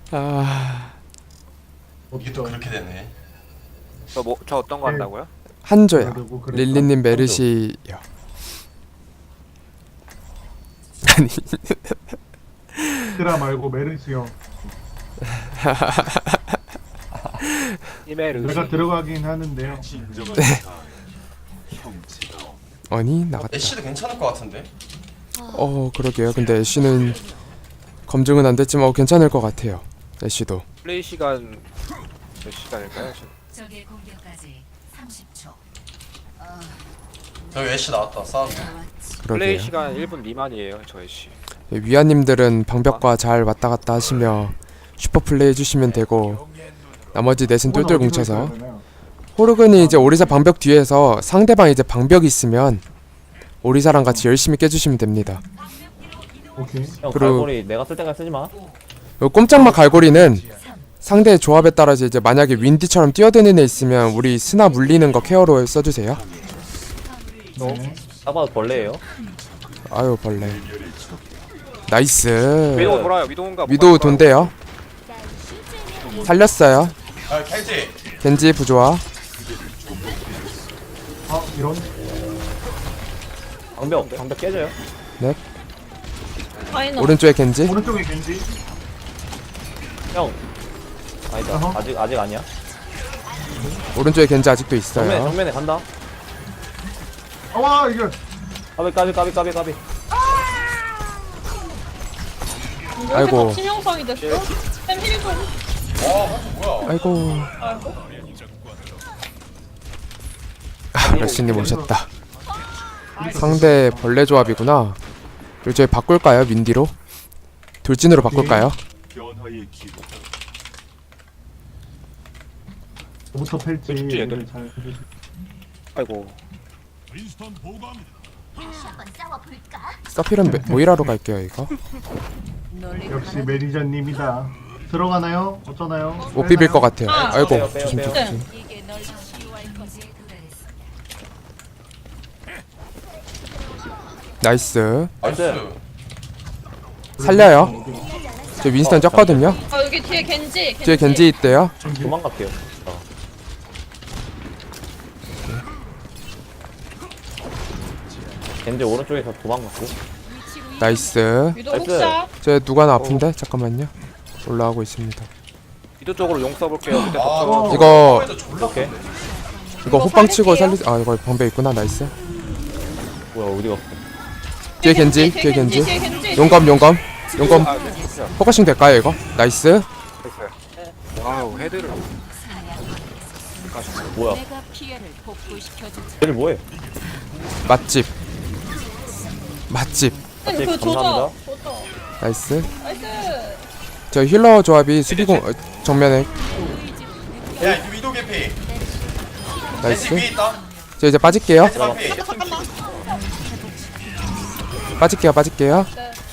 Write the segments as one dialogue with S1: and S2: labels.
S1: 아
S2: 이게 또 그렇게 되네.
S3: 저 어떤 거 한다고요?
S1: 한조야.
S4: 그러고 그랬다.
S1: 릴리님 메르시요. 아니
S4: 드라 말고 메르시요.
S3: 이메르.
S4: 내가 들어가긴 하는데요.
S1: 아니 나갔다.
S2: 애쉬도 괜찮을 것 같은데.
S1: 그러게요. 근데 애쉬는 검증은 안 됐지만 괜찮을 것 같아요. 애쉬도.
S3: 플레이 시간 몇 시간일까요?
S5: 적의 공격까지 30초.
S2: 저기 애쉬 나왔다. 싸움.
S3: 플레이
S1: 그러게요.
S3: 시간 1분 미만이에요, 저 애쉬.
S1: 위아님들은 방벽과 잘 왔다 갔다 하시며 슈퍼 플레이 해주시면 되고 나머지 넷은 똘똘 뭉쳐서 호르근이 이제 오리사 방벽 뒤에서 상대방 이제 방벽이 있으면 오리사랑 같이 열심히 깨주시면 됩니다.
S4: 오케이.
S6: 형
S1: 그리고-
S6: 갈고리 내가 쓸 때까지 쓰지 마.
S1: 요 꼼짝마 갈고리는 상대의 조합에 따라서 이제 만약에 윈디처럼 뛰어드는 애 있으면 우리 스나 물리는 거 케어로 써주세요.
S4: 네.
S6: 딱 봐도 벌레예요.
S1: 아유 벌레. 나이스.
S3: 위도우 돌아요. 위도우인가?
S1: 위도우 돈대요. 살렸어요.
S2: 아 켈지.
S1: 겐지 부조화.
S4: 아 이런.
S6: 방벽 깨져요.
S1: 오른쪽에 겐지.
S4: 오른쪽에 겐지.
S6: 형. 아니다.
S4: 어허.
S6: 아직 아니야.
S1: 오른쪽에 겐지 아직도 있어요.
S6: 정면에 간다.
S4: 와 이거.
S6: 까비.
S1: 아이고.
S7: 치명성이 됐어? 템 힐 좀.
S2: 뭐야?
S1: 아이고. 렉시님 오셨다. 상대 벌레 조합이구나. 그리고 저희 바꿀까요? 민디로? 돌진으로 바꿀까요?
S4: 부터 펠지.
S3: 펠지 얘들.
S4: 얘들 잘 해주시-
S3: 아이고.
S1: 서필은 모이라로 갈게요 이거.
S4: 역시 매니저님이다. 들어가나요? 어쩌나요?
S1: 못 비빌 것 같아요.
S7: 아.
S1: 아이고
S6: 빼요.
S1: 조심.
S5: 이게 널 치유할 거지. 도달했습니다.
S1: 나이스.
S2: 나이스.
S1: 살려요. 저 윈스턴 쪘거든요.
S7: 아 여기 뒤에 겐지.
S1: 뒤에 겐지 있대요.
S6: 도망갈게요. 겐지 오른쪽에서 도망갔고.
S1: 나이스.
S7: 위도
S6: 나이스.
S7: 혹시야?
S1: 저 누가 나 아픈데? 잠깐만요. 올라가고 있습니다.
S3: 위도 쪽으로 용 써볼게요. 밑에
S2: 아
S3: 덮쳐.
S1: 이거
S2: 졸라.
S6: 오케이.
S1: 이거 호빵 치고
S7: 살릴게요.
S1: 살리. 아 이거 방배 있구나. 나이스.
S6: 뭐야 어디 갔어?
S1: 뒤에 겐지. 뒤에 겐지.
S7: 뒤에 겐지.
S1: 용검. 용검.
S3: 아, 네, 진짜.
S1: 포커싱 될까요 이거? 나이스.
S3: 됐어요. 와우, 헤드를.
S6: 뭐야?
S5: 내가 피해를 복구시켜주지.
S6: 얘들 뭐해?
S1: 맛집. 맛집.
S7: 그
S6: 감사합니다.
S7: 조져.
S1: 나이스.
S7: 나이스.
S1: 저 힐러 조합이 수비공 정면에
S2: 야 이거 위도 개피. 켈지
S1: 나이스.
S2: 위에 있다.
S1: 저 이제 빠질게요.
S2: 켈지 반피.
S7: 잠깐만.
S1: 빠질게요.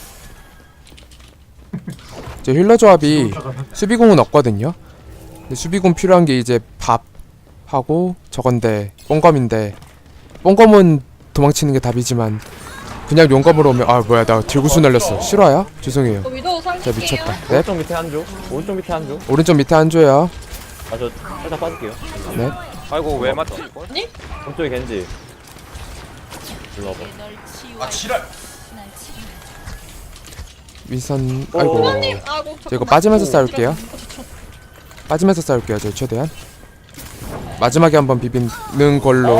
S1: 저 힐러 조합이 수비공은 없거든요. 근데 수비공 필요한 게 이제 밥하고 저건데 뽕검인데 뽕검은 도망치는 게 답이지만 그냥 용검으로 오면 아 뭐야 나 들구수 날렸어. 실화야? 죄송해요.
S7: 위도 살릴게요.
S1: 진짜 미쳤다. 네.
S6: 오른쪽 밑에 한 조. 오른쪽 밑에 한 조.
S1: 오른쪽 밑에 한 조요.
S6: 아저 살짝 빠질게요.
S1: 네.
S3: 아이고, 왜 맞지 이걸?
S6: 오른쪽에 겐지. 일로 와봐.
S5: 널 치유할
S2: 아 지랄.
S5: 날 치유.
S1: 위선 아이고.
S7: 하나님. 아이고.
S1: 저 이거 빠지면서 싸울게요. 빠지면서 싸울게요. 저 최대한. 마지막에 한번 비비는 걸로.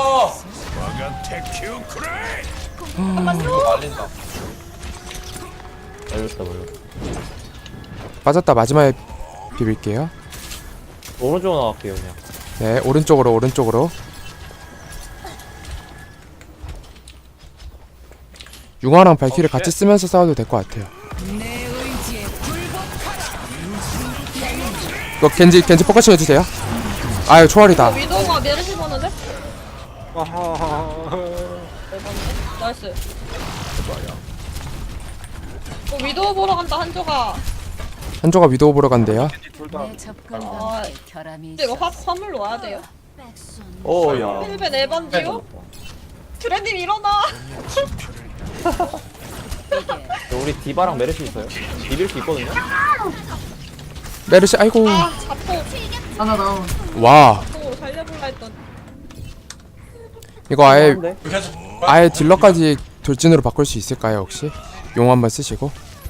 S2: 이거 말린다.
S6: 알렸다 몰라.
S1: 빠졌다. 마지막에 비빌게요.
S6: 오른쪽으로 나갈게요 그냥.
S1: 네, 오른쪽으로. 융화랑 발키를 같이 쓰면서 싸워도 될 것 같아요. 이거 겐지 포커싱 해주세요. 아유 초월이다.
S7: 위도가 메르시 보는데?
S3: 아하하하.
S7: 나이스. 위도 보러 간다 한조가.
S1: 한조가 위도우 보러 간대요.
S3: 둘 다.
S5: 내 접근감에 결함이
S7: 근데 이거
S5: 있어.
S7: 화물 와야 돼요.
S6: 오야.
S7: 힐벤 에반디오? 드레님 일어나.
S6: 우리 디바랑 메르시 있어요. 비빌 수 있거든요.
S1: 메르시 아이고
S7: 아 자포
S4: 하나 다운.
S1: 와
S7: 자포 살려볼라 했던.
S1: 이거 아예
S6: 한데?
S2: 계속
S1: 아예 딜러까지 돌진으로 바꿀 수 있을까요 혹시? 용 한번 쓰시고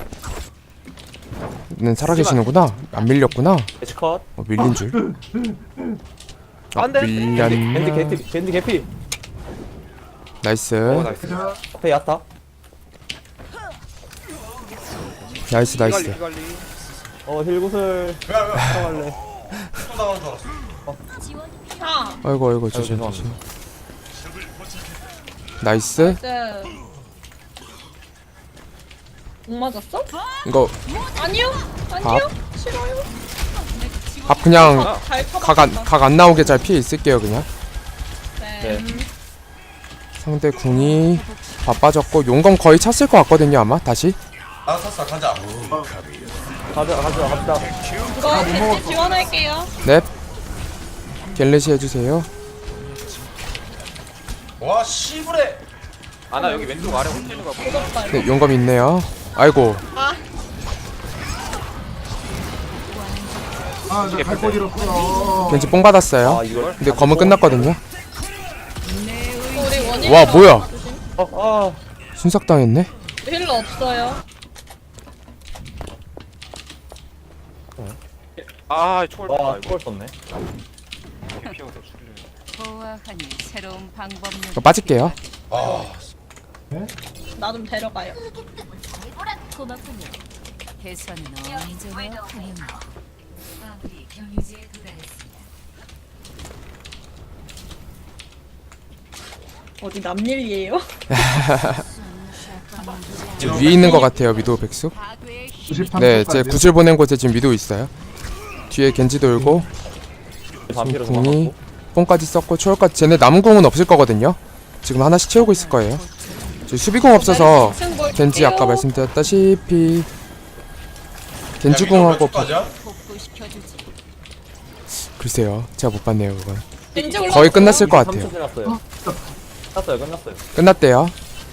S1: 는 살아계시는구나 안 밀렸구나
S6: 애쉬 컷.
S1: 밀린 줄
S3: 안 돼.
S1: 밀렸나
S6: 겐지 개피.
S1: 나이스
S3: 나이스.
S6: 앞에 야타.
S1: 나이스 나이스
S3: 피갈리 피갈리.
S6: 힐구슬.
S2: 왜왜
S6: 들어갈래.
S2: 또 나가는 줄 알았어.
S7: 아
S1: 아이고 아이고 조심
S6: 죄송합니다.
S1: 조심 나이스
S7: 이제. 못 맞았어?
S1: 이거
S7: 아니요 아니요 싫어요.
S1: 밥 그냥
S7: 잘 쳐봤다.
S1: 각 안 나오게 잘 피해 있을게요 그냥
S7: 네.
S1: 상대 궁이 다 빠졌고 용검 거의 찼을 것 같거든요 아마 다시
S2: 아 샀어 가자.
S6: 갑시다.
S7: 이거 겐지 지원할게요.
S1: 넵 갤레시 해주세요
S2: 와 씨부레.
S3: 아나 여기 왼쪽 아래 홀리는 거 보고.
S7: 무섭다 이거.
S1: 네 용검 있네요 아이고
S7: 아
S4: 아, 저 갈고 잃었어.
S1: 겐지 뽕 받았어요
S6: 이걸.
S1: 근데 검은 끝났거든요
S7: 우리 원인.
S1: 와, 뭐야?
S6: 아.
S1: 순삭당했네
S7: 힐러 없어요.
S3: 아 초월
S6: 와,
S3: 봤다
S6: 이걸 썼네.
S3: 이거. 피어서 줄을.
S5: 보아하니 새로운 방법론.
S1: 저 빠질게요
S2: 아
S7: 나 좀 데려가요.
S5: 고맙군요. 개선은 언제나 가능하다. 아무리 경유지에 도달했습니다.
S7: 어디 남일이에요?
S1: 지금 위에 있는 것 같아요 위도우 백숙
S5: 파괴의 힘.
S4: 93
S1: 네
S4: 초까지요.
S1: 제 구슬 보낸 곳에 지금 위도우 있어요 뒤에 겐지 돌고
S6: 반피로
S1: 궁이
S6: 도망갔고.
S1: 뽕까지 썼고 초월까지 쟤네 남은 궁은 없을 거거든요 지금 하나씩 채우고 있을 거예요 저 수비궁 없어서 겐지 아까 말씀드렸다시피 겐지궁하고
S5: 복구시켜주지.
S1: 글쎄요 제가 못 봤네요 그건
S7: 겐지 올라.
S1: 거의 끝났을 것 같아요
S6: 3초 지났어요. 끝났어요.
S1: 끝났대요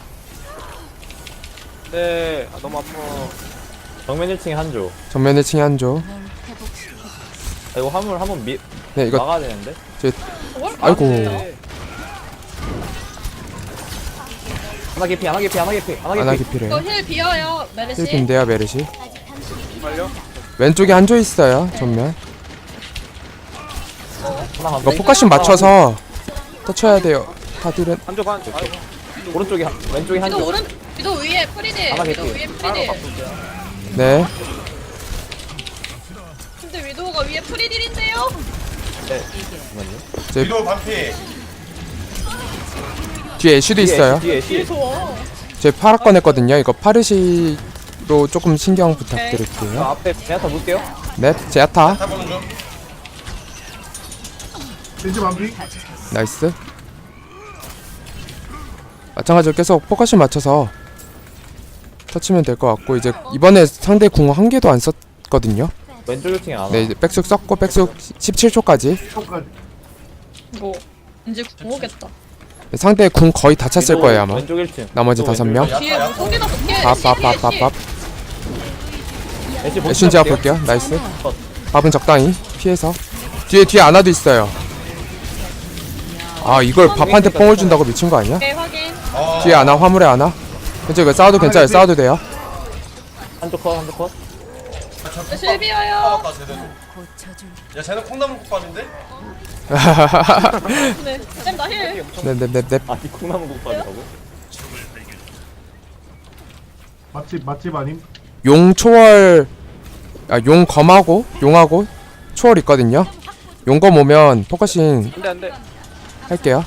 S3: 네. 아, 너무 아파.
S6: 정면 1층에 한조.
S1: 정면 1층에 한조
S6: 이거 화물 한번
S1: 네 이거
S6: 막아야 되는데.
S1: 아이고
S3: 네.
S6: 하나 개피.
S1: 아나 기피래요
S7: 이거 힐 비어요 메르시.
S1: 힐빈데요 메르시
S3: 빨려.
S1: 왼쪽에 한조 있어요 전면
S6: 하나
S1: 이거 포커싱 맞춰서 터쳐야 돼요 다들은
S3: 한조 반. 아이고.
S6: 오른쪽에 왼쪽에
S7: 위도
S6: 한조.
S7: 오른 위도 위에 프리딜.
S6: 하나
S7: 위도
S6: 개피.
S7: 위에 프리딜.
S1: 네
S7: 근데 위도가 위에 프리딜인데요?
S6: 잠깐만요.
S2: 위도 반피.
S1: 뒤에 애쉬도 있어요
S6: 뒤에 애쉬.
S7: 좋아.
S1: 제 파라 꺼냈거든요 이거 파르시로 조금 신경 부탁드릴게요
S6: 앞에 제나타 볼게요.
S1: 네 제아타
S2: 타보는 중.
S4: 겐지 반피.
S1: 나이스 마찬가지로 계속 포커싱 맞춰서 터치면 될 것 같고 이제 이번에 상대 궁 한 개도 안 썼거든요
S6: 왼쪽 1층에 안 와.
S1: 네 이제 백숙 썼고 백숙 17초까지
S4: 초까지.
S7: 이거 이제 구호겠다.
S1: 상대 궁 거의 다 찼을 거예요 아마
S6: 왼쪽 1층.
S1: 나머지 5명
S7: 뒤에 무속이나 붙게.
S1: 밥밥밥밥밥
S6: 애쉬
S1: 애쉬 제가 볼게요 나이스 밥은 적당히 피해서 뒤에 아나도 있어요 아 이걸 밥한테 뽕을 준다고 미친 거 아니야?
S7: 오케이 확인.
S1: 뒤에 아나 화물에 아나 괜찮아 이거 싸워도 괜찮아요 싸워도 돼요
S6: 한쪽 컷.
S7: 실 비어요.
S2: 아까 제대로.
S5: 고쳐줄.
S2: 야 쟤는 콩나물국밥인데?
S7: 네. 쌤나 힐.
S1: 네네네네
S6: 아니 콩나물 국밥이라고?
S4: 맛집 아님.
S1: 용 초월 용 검하고 용하고 초월 있거든요 용검 오면 포커싱
S3: 안돼 안돼.
S1: 할게요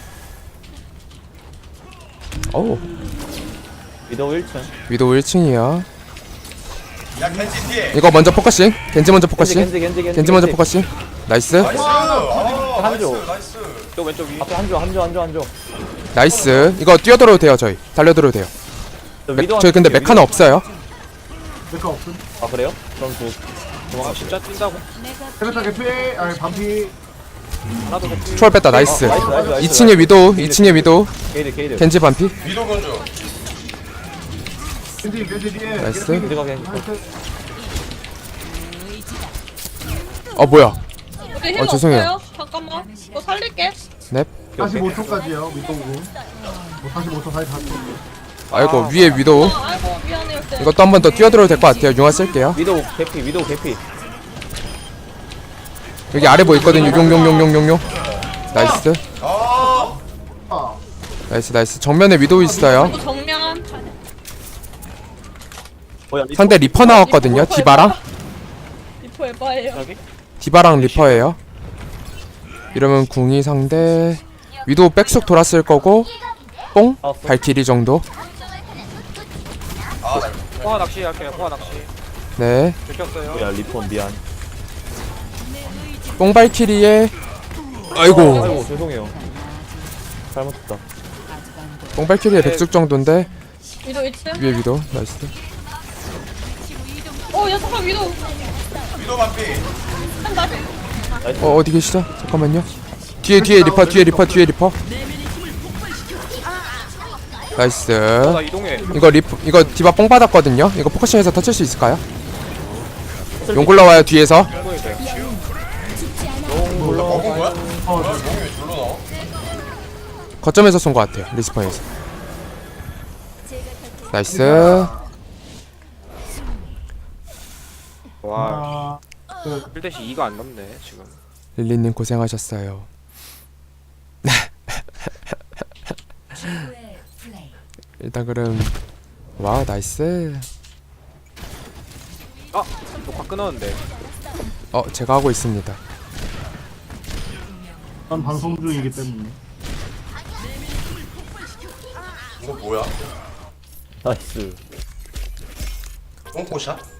S1: 어우
S6: 위도우 1층.
S1: 위도우 1층이요
S2: 야 겐지 뒤에.
S1: 이거 먼저 포커싱 겐지 먼저 포커싱
S6: 겐지
S1: 겐지 먼저 포커싱 나이스
S2: 나이스. 아,
S6: 한조.
S2: 나이스. 나이스.
S3: 또 왼쪽 위.
S6: 앞에 한조.
S1: 나이스 이거 뛰어들어도 돼요 저희 달려들어도 돼요 저희 근데 메카는 없어요
S4: 내거 없음.
S6: 아 그래요? 그럼
S3: 아 진짜 뛴다고.
S4: 테레타 개피. 아니 반피.
S3: 하나도 개피.
S1: 초월 뺐다 나이스
S6: 나이스.
S1: 2층에 위도우 2층에 위도우
S6: 게이드.
S1: 겐지 반피
S2: 위도 건조.
S4: 겐지 뒤에.
S1: 나이스.
S6: 겐지가 겐지.
S4: 나이스.
S1: 뭐야.
S7: 여기 힐
S1: 죄송해요.
S7: 없어요? 잠깐만. 이거 살릴게.
S1: 넵.
S4: 45초까지요 밑도구 45초 사이 다
S1: 아이고 위에 위도우.
S7: 아이고 미안해요. 쌤.
S1: 이것도 한 번 더 뛰어들어도 될 것 같아요. 융화 쓸게요.
S6: 위도우 개피, 위도우 개피.
S1: 여기 아래 뭐 있거든요. 용용용용용용. 나이스.
S2: 아,
S1: 나이스. 정면에 위도우 있어요.
S7: 이거 정면.
S6: 뭐야, 리퍼.
S1: 상대 리퍼 나왔거든요. 디바랑.
S7: 리포 에바예요.
S3: 여기?
S1: 디바랑 리퍼예요. 이러면 궁이 상대 위도우 백숙 돌았을 거고 뽕 발키리 정도.
S2: 아, 나
S3: 포화 낚시 할게요. 포화 낚시.
S1: 네.
S3: 들켰어요.
S6: 뭐야, 리퍼 미안.
S1: 뽕 발키리에 아이고
S6: 아이고, 죄송해요. 잘못했다.
S1: 뽕 발키리에 백숙 정도인데
S7: 위도 2층.
S1: 위에 위도우. 나이스.
S7: 야 잠깐 위도.
S2: 위도 반피.
S7: 한다.
S1: 어디 계시죠? 잠깐만요. 뒤에 리퍼. 나이스.
S3: 나 이동해.
S1: 이거 디바 뽕 받았거든요. 이거 포커싱해서 터칠 수 있을까요? 용 굴러와요 뒤에서.
S3: 충분히 돼요.
S2: 먹은 거야? 뭐야, 몽이 왜 절로 나와?
S1: 거점에서 쏜 것 같아요. 리스폰에서. 나이스.
S3: 와,
S4: 아,
S3: 1대시 2가 안 넘네, 지금.
S1: 릴리님 고생하셨어요.
S5: 최고의 플레이.
S1: 일단 그럼 와 나이스.
S3: 녹화 끊었는데.
S1: 제가 하고 있습니다.
S4: 난 방송 중이기 때문에
S2: 이거 뭐야?
S6: 나이스.
S2: 똥꼬샷?